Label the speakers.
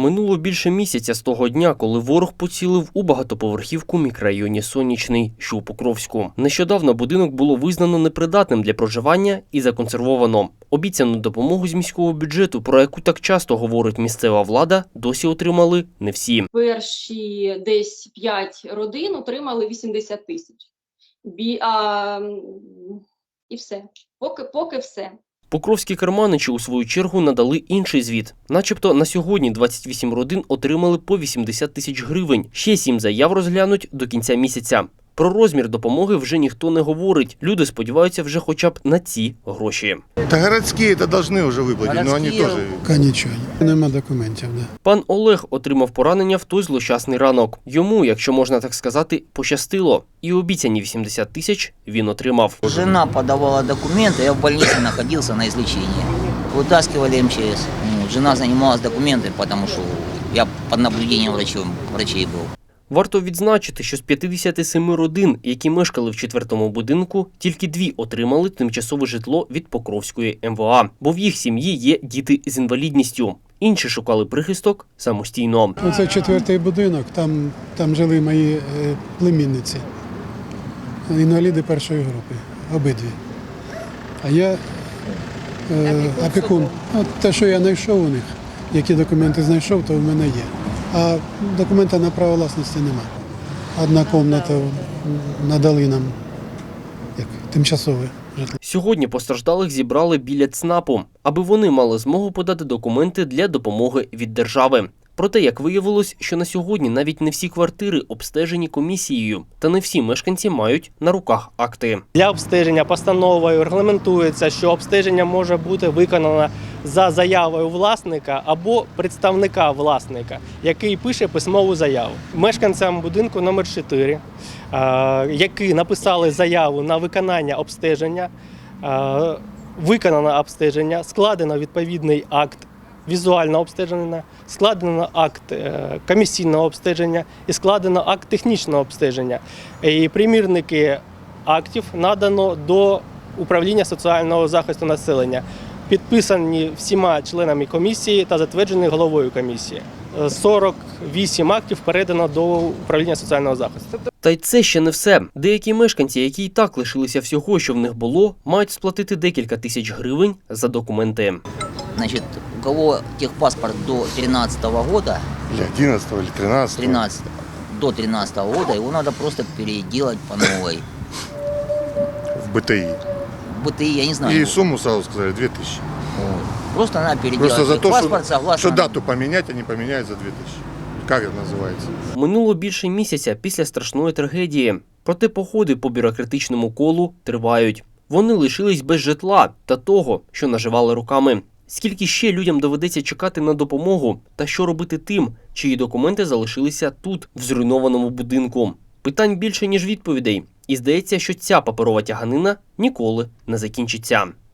Speaker 1: Минуло більше місяця з того дня, коли ворог поцілив у багатоповерхівку в мікрорайоні Сонячний, що у Покровську. Нещодавно будинок було визнано непридатним для проживання і законсервовано. Обіцяну допомогу з міського бюджету, про яку так часто говорить місцева влада, досі отримали не всі.
Speaker 2: Перші десь 5 родин отримали 80 тисяч. І все. Поки все.
Speaker 1: Покровські керманичі, у свою чергу, надали інший звіт. Начебто на сьогодні 28 родин отримали по 80 тисяч гривень. Ще 7 заяв розглянуть до кінця місяця. Про розмір допомоги вже ніхто не говорить. Люди сподіваються вже хоча б на ці гроші.
Speaker 3: Та городські це повинні вже виплатити, але вони теж...
Speaker 4: Нічого, нема документів, да.
Speaker 1: Пан Олег отримав поранення в той злощасний ранок. Йому, якщо можна так сказати, пощастило. І обіцяні 80 тисяч він отримав.
Speaker 5: Жена подавала документы, я в больнице находился на излечении. Вытаскивали МЧС. Жена занималась документами, потому что я под наблюдением врачей был.
Speaker 1: Варто відзначити, що з 57 родин, які мешкали в 4-му будинку, тільки 2 отримали тимчасове житло від Покровської МВА, бо в їх сім'ї є діти з інвалідністю. Інші шукали прихисток самостійно.
Speaker 4: Оце 4-й будинок, там жили мої племінниці, інваліди першої групи, обидві. А я опікун. От те, що я знайшов у них, які документи знайшов, то в мене є. А документа на право власності нема. Одна кімната надали нам як тимчасове житло.
Speaker 1: Сьогодні постраждалих зібрали біля ЦНАПу, аби вони мали змогу подати документи для допомоги від держави. Проте, як виявилось, що на сьогодні навіть не всі квартири обстежені комісією, та не всі мешканці мають на руках акти.
Speaker 6: Для обстеження постановою регламентується, що обстеження може бути виконано за заявою власника або представника власника, який пише письмову заяву. Мешканцям будинку номер 4, які написали заяву на виконання обстеження, виконано обстеження, складено відповідний акт візуального обстеження, складено акт комісійного обстеження і складено акт технічного обстеження. І примірники актів надано до управління соціального захисту населення, підписані всіма членами комісії та затверджені головою комісії. 48 актів передано до управління соціального захисту.
Speaker 1: Та й це ще не все. Деякі мешканці, які і так лишилися всього, що в них було, мають сплатити декілька тисяч гривень за документи.
Speaker 5: Значит, у кого техпаспорт до 2013 года,
Speaker 3: Или 11 или 13.
Speaker 5: до 2013 года, его надо просто переделать по новой.
Speaker 3: В БТИ.
Speaker 5: В БТИ, я не знаю.
Speaker 3: И сумму сразу сказали 2000.
Speaker 5: Вот. Просто надо переделать
Speaker 3: Просто за то,
Speaker 5: техпаспорт, согласно...
Speaker 3: что дату поменять, они поменяют за 2000. Как это называется?
Speaker 1: Минуло більше місяця після страшної трагедії. Проте походи по бюрократичному колу тривають. Вони лишились без житла та того, що наживали руками. Скільки ще людям доведеться чекати на допомогу? Та що робити тим, чиї документи залишилися тут, в зруйнованому будинку? Питань більше, ніж відповідей. І здається, що ця паперова тяганина ніколи не закінчиться.